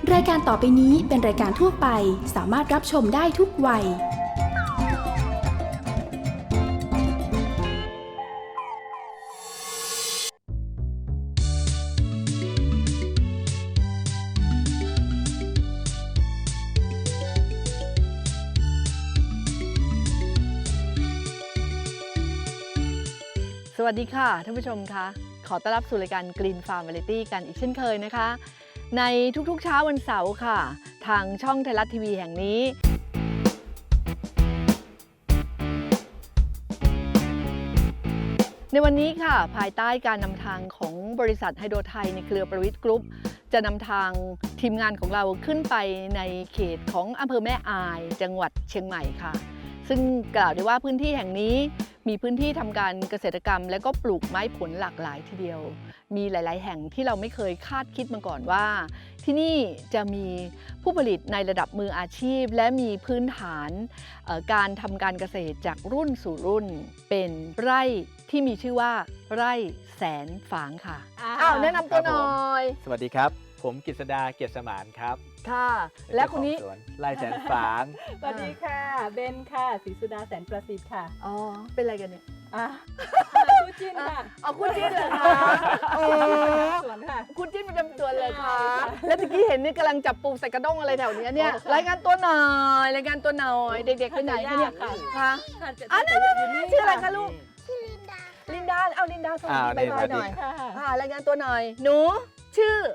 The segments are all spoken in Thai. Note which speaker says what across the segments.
Speaker 1: รายการต่อไปนี้เป็นรายการทั่วไปสามารถรับชมได้ทุกวัย
Speaker 2: สวัสดีค่ะท่านผู้ชมคะขอต้อนรับสู่รายการ Green Farm Variety กันอีกเช่นเคยนะคะ ในทุกๆเช้าวันเสาร์ค่ะ ทางช่องไทยรัฐทีวีแห่งนี้ ในวันนี้ค่ะภายใต้การนำทางของบริษัทไฮโดรไทยในเครือประวิตรกรุ๊ปจะนำทางทีมงานของเราขึ้นไปในเขตของอำเภอแม่อายจังหวัดเชียงใหม่ค่ะซึ่งกล่าวได้ว่าพื้นที่แห่งนี้มีพื้นที่ทำการเกษตรกรรมและก็ปลูกไม้ผลหลากหลายทีเดียวมีหลายๆแห่งที่เราไม่เคยคาดคิดมาก่อนว่าที่นี่จะมีผู้ผลิตในระดับมืออาชีพและมีพื้นฐานการทำการเกษตรจากรุ่นสู่รุ่นเป็นไร่ที่มีชื่อว่าไร่แสนฝางค่ะแนะนำตัวหน่อย
Speaker 3: สวัสดีครับผมกฤษดาเกียรติสมานครับ
Speaker 2: ค่ะและคนนี้
Speaker 3: เจ้าของสวนไร่แสนฝาง
Speaker 4: สวัสดีค่ะเบนค่ะศรีสุดาแสนประสิทธิ์ค่ะ
Speaker 2: อ๋อเป็นอะไรกันเนี่ย
Speaker 4: คู่จิ้นค่ะ
Speaker 2: เอาคุณจิ้นเลยค่ะโอ้
Speaker 4: สวนค่ะ
Speaker 2: คุณจิ้นประจำตัวเลยค่ะ แล้วตะกี้เห็นนี่กำลังจับปูใส่กระด้งอะไรแถวนี้เนี่ยรายงานตัวหน่อยรายงานตัวหน่อยเด็กๆไปไหนคะเนี่ยคะนั่นชื่ออะไรคะลูกลินดาเอาลินดาสวัสดีบายหน่อยรายงานตัวหน่อยหนูชื่อ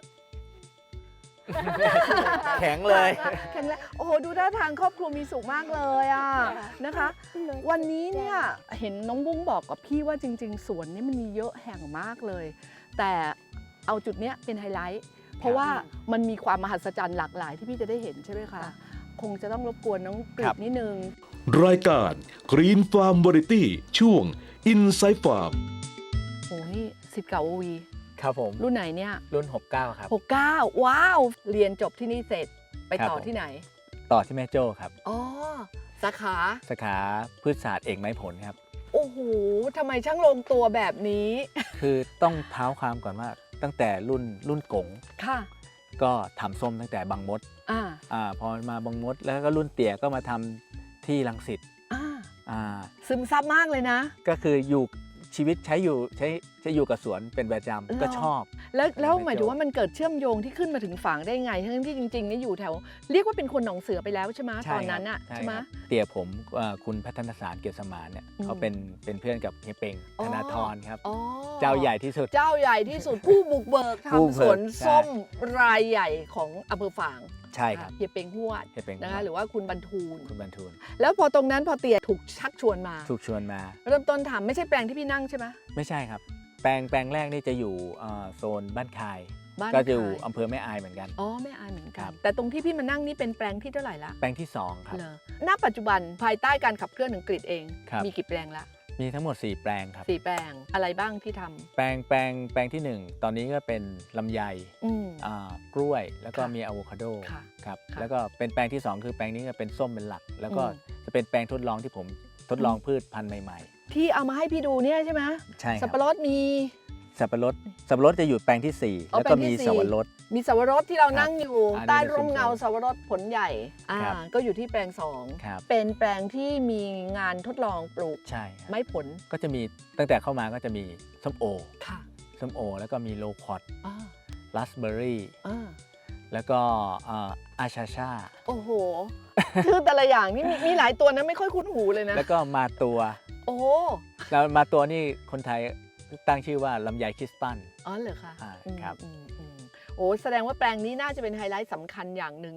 Speaker 3: แข็งเลย
Speaker 2: แข็งแรงโอ้โหดูท่าทางครอบครัวมีสุขมากเลยอ่ะนะคะ วันนี้เนี่ยเห็นน้องบุ้งบอกกับพี่ว่าจริงๆสวนนี้มันมีเยอะแห่งมากเลย แต่เอาจุดเนี้ยเป็นไฮไลท์เพราะว่ามันมีความมหัศจรรย์หลากหลายที่พี่จะได้เห็นใช่ไหมคะคงจะต้องรบกวนน้องกฤษนิดนึง
Speaker 5: รายการ Green Farm Variety ช่วง Inside Farm
Speaker 2: โอ้นี่10เก่าวี
Speaker 3: ครับผม
Speaker 2: รุ่นไหนเนี่ย
Speaker 3: รุ่น 69 ครับ
Speaker 2: 69ว้าวเรียนจบที่นี่เสร็จไปต่อที่ไหน
Speaker 3: ต่อที่แม่โจ้ครับ
Speaker 2: อ๋อสาขา
Speaker 3: สาขาพืชศาสตร์เอกไม้ผลครับ
Speaker 2: โอ้โหทำไมช่างลงตัวแบบนี้
Speaker 3: คือต้องเท้าความก่อนว่าตั้งแต่รุ่นกง
Speaker 2: ค่ะ
Speaker 3: ก็ทำส้มตั้งแต่บางมด พอมาบางมดแล้วก็รุ่นเตี่ยก็มาทำที่รังสิต
Speaker 2: ซึมซับมากเลยนะ
Speaker 3: ก็คืออยู่ชีวิตใช้อยู่กับสวนเป็นประจำก็ชอบ
Speaker 2: แล้วหมายถึงว่ามันเกิดเชื่อมโยงที่ขึ้นมาถึงฝางได้ไงทั้งที่จริงๆนี่อยู่แถวเรียกว่าเป็นคนหนองเสือไปแล้วใช่ไหมตอนนั้นอ่ะใช่ไหม
Speaker 3: เตี่ยผมคุณพัฒนสารเกียรติสมานเนี่ยเขาเป็นเพื่อนกับเฮียเปงธนาธรครับเจ้าใหญ่ที่สุด
Speaker 2: ผู้บุกเบิก
Speaker 3: ผู้
Speaker 2: ทำสวนส้มรายใหญ่ของอำเภอฝาง
Speaker 3: ใช่ครับ
Speaker 2: เฮียเปงหวดนะคะหรือว่าคุณบรรทูลแล้วพอตรงนั้นพอเตี่ยถูกชักชวนมาเริ่มต้นทำไม่ใช่แปลงที่พี่นั่งใช่ไหม
Speaker 3: ไม่ใช่ครับแปลงแรกนี่จะอยู่โซนบ้านคายก็จะอยู่อำเภอแม่อายเหมือนกัน
Speaker 2: แม่อายเหมือนกันแต่ตรงที่พี่มานั่งนี่เป็นแปลงที่เท่าไหร่ละ
Speaker 3: แปลงที่2ครับ
Speaker 2: ณปัจจุบันภายใต้การขับเคลื่อนของกรีฑเองมีกี่แปลงละ
Speaker 3: มีทั้งหมด4แปลงครับ
Speaker 2: 4แปลงอะไรบ้างที่ทำ
Speaker 3: แปลงที่1ตอนนี้ก็เป็นลำไยกล้วยแล้วก็มีอะโวคาโดครับแล้วก็เป็นแปลงที่2คือแปลงนี้ก็เป็นส้มเป็นหลักแล้วก็จะเป็นแปลงทดลองที่ผมทดลองพืชพันธุ์ใหม่
Speaker 2: ๆที่เอามาให้พี่ดูเนี่ยใช่ไหม
Speaker 3: ใช่
Speaker 2: สับปะรดมี
Speaker 3: สับปะรดจะอยู่แปลงที่4แล้วก็มีสับปะรด
Speaker 2: ที่เรานั่งอยู่ใต้ร่มเงาสับปะรดผลใหญ่ก็อยู่ที่แปลง2เป็นแปลงที่มีงานทดลองปลูกไม้ผล
Speaker 3: ก็จะมีตั้งแต่เข้ามาก็จะมีส้มโอแล้วก็มีโลคอตราสเบอร์รี่แล้วก็อาชาชา
Speaker 2: โอ้โหคือแต่ละอย่างนี่มีหลายตัวนะไม่ค่อยคุ้นหูเลยนะ
Speaker 3: แล้วก็มาตัว
Speaker 2: โอ้
Speaker 3: แล้วมาตัวนี่คนไทยตั้งชื่อว่าลำไยคริสตัล
Speaker 2: เหรอคะ
Speaker 3: ครับ
Speaker 2: โอ้แสดงว่าแปลงนี้น่าจะเป็นไฮไลท์สำคัญอย่างหนึ่ง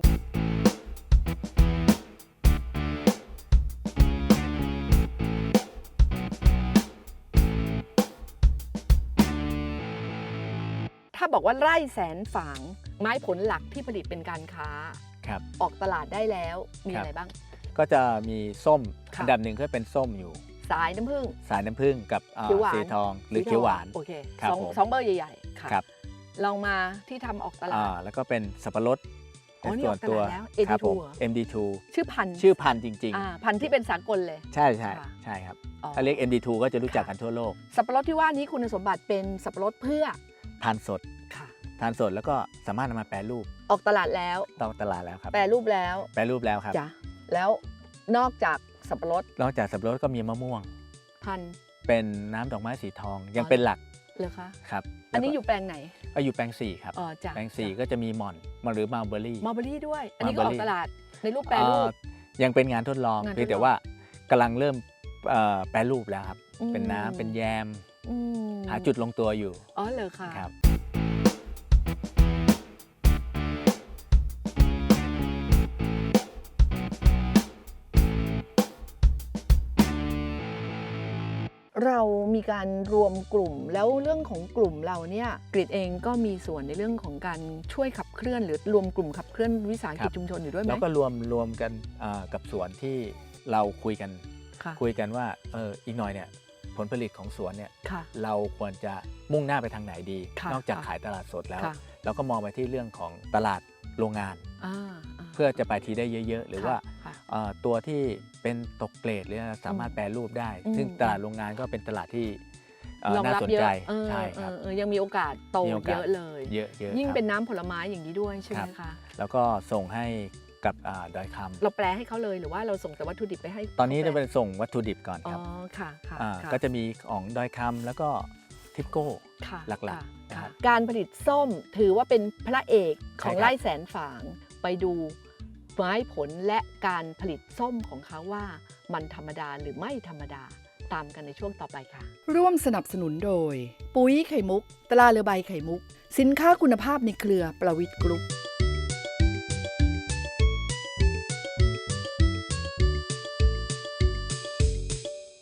Speaker 2: ถ้าบอกว่าไร่แสนฝางไม้ผลหลักที่ผลิตเป็นการค้าออกตลาดได้แล้วมีอะไรบ้าง
Speaker 3: ก็จะมีส้มอันดับหนึ่งก็เป็นส้มอยู่
Speaker 2: สายน้ำผึ้ง
Speaker 3: กับสีทองหรือเขียวหวาน
Speaker 2: โอเคสองเบอร์ใหญ่ๆครับลองมาที่ทำออกตลาด
Speaker 3: แล้วก็เป็นสับปะรด
Speaker 2: ส่วนตัว
Speaker 3: MD2
Speaker 2: ชื่อพัน
Speaker 3: ธุ์จริง
Speaker 2: ๆพันธุ์ที่เป็นสากลเลย
Speaker 3: ใช่ครับถ้าเรียก MD2 ก็จะรู้จักกันทั่วโลก
Speaker 2: สับปะรดที่ว่านี้คุณสมบัติเป็นสับปะรดเพื่อ
Speaker 3: ทานสดทานสดแล้วก็สามารถนำมาแปรรูป
Speaker 2: ออกตลาดแล้ว
Speaker 3: ต่อตลาดแล้วครับ
Speaker 2: แปรรูปแล้ว
Speaker 3: แปรรูปแล้วครับ
Speaker 2: จ้ะแล้วนอกจากสับปะรด
Speaker 3: นอกจากสับปะรดก็มีมะม่วง
Speaker 2: พันธุ์
Speaker 3: เป็นน้ำดอกไม้สีทองยังเป็นหลัก
Speaker 2: เลยคะ
Speaker 3: ครับ
Speaker 2: อันนี้อยู่แปลงไหน
Speaker 3: ก็อยู่แปลง4ครับ
Speaker 2: อ๋อจ้ะ
Speaker 3: แปลง4ก็จะมีหม่อนหรือมัลเบอรี่
Speaker 2: มัลเบอรี่ด้วย อันนี้ก็ออก
Speaker 3: Mulberry
Speaker 2: ตลาดในรูปแปรรูป
Speaker 3: ยังเป็นงานทดลอง
Speaker 2: งานทดลอง
Speaker 3: เพียงแต่ว่ากำลังเริ่มแปรรูปแล้วครับ เป็นน้ำเป็นแยม
Speaker 2: อืม
Speaker 3: หาจุดลงตัวอยู่
Speaker 2: อ๋อเหรอคะ
Speaker 3: ครับ
Speaker 2: เรามีการรวมกลุ่มแล้วเรื่องของกลุ่มเราเนี่ยกรีฑเองก็มีส่วนในเรื่องของการช่วยขับเคลื่อนหรือรวมกลุ่มขับเคลื่อนวิสาหกิจชุมชนอยู่ด้วยไหม
Speaker 3: แล้วก็รวมกันกับสวนที่เราคุยกัน
Speaker 2: ค่ะ
Speaker 3: คุยกันว่าอีกหน่อยเนี่ยผลผลิตของสวนเนี่ย
Speaker 2: ค่ะ
Speaker 3: เราควรจะมุ่งหน้าไปทางไหนดี
Speaker 2: ค่ะ
Speaker 3: นอกจาก
Speaker 2: ค่ะ
Speaker 3: ขายตลาดสดแล้ว
Speaker 2: ค่ะ
Speaker 3: เราก็มองไปที่เรื่องของตลาดโรงงาน
Speaker 2: อ่า
Speaker 3: เพื่อจะไปทีได้เยอะๆ หรือว่า
Speaker 2: ค่ะ
Speaker 3: ตัวที่เป็นตกเกรดหรือสามารถแปรรูปได้
Speaker 2: อืม
Speaker 3: ซึ่งตลาดโรงงานก็เป็นตลาดที่
Speaker 2: รอง
Speaker 3: น่า
Speaker 2: รับ
Speaker 3: สน
Speaker 2: เยอะ
Speaker 3: ใจ
Speaker 2: เออ
Speaker 3: ใช่ครับ
Speaker 2: ยังมีโอกาสโต
Speaker 3: มีโอกาส
Speaker 2: เยอะเลย
Speaker 3: เยอะๆ
Speaker 2: ยิ่ง
Speaker 3: ครับ
Speaker 2: เป็นน้ำผลไม้อย่างนี้ด้วยใช่ไห
Speaker 3: ครั
Speaker 2: ม
Speaker 3: บ
Speaker 2: คะ
Speaker 3: แล้วก็ส่งให้กับดอยคำ
Speaker 2: เราแปลให้เขาเลยหรือว่าเราส่งแต่วัตถุดิบไปให้
Speaker 3: ตอนนี้
Speaker 2: ขา
Speaker 3: จะ
Speaker 2: แปล
Speaker 3: เป็นส่งวัตถุดิบก่อน
Speaker 2: อ๋
Speaker 3: ค
Speaker 2: อ
Speaker 3: รับ
Speaker 2: ค่ะค่ะ
Speaker 3: าก็จะมีของดอยคำแล้วก็ทิปโก้
Speaker 2: ค่ะ
Speaker 3: หลักๆ
Speaker 2: ค่ะ
Speaker 3: นะครับ
Speaker 2: การผลิตส้มถือว่าเป็นพระเอกของ
Speaker 3: ใช่ครับ
Speaker 2: ไร่แสนฝางไปดูไม้ผลและการผลิตส้มของเขาว่ามันธรรมดาหรือไม่ธรรมดาตามกันในช่วงต่อไปค่ะ ร่วมสนับสนุนโดย ปุ๋ยไข่มุก ตราเรือใบไข่มุก สินค้าคุณภาพในเครือประวิตรกรุ๊ป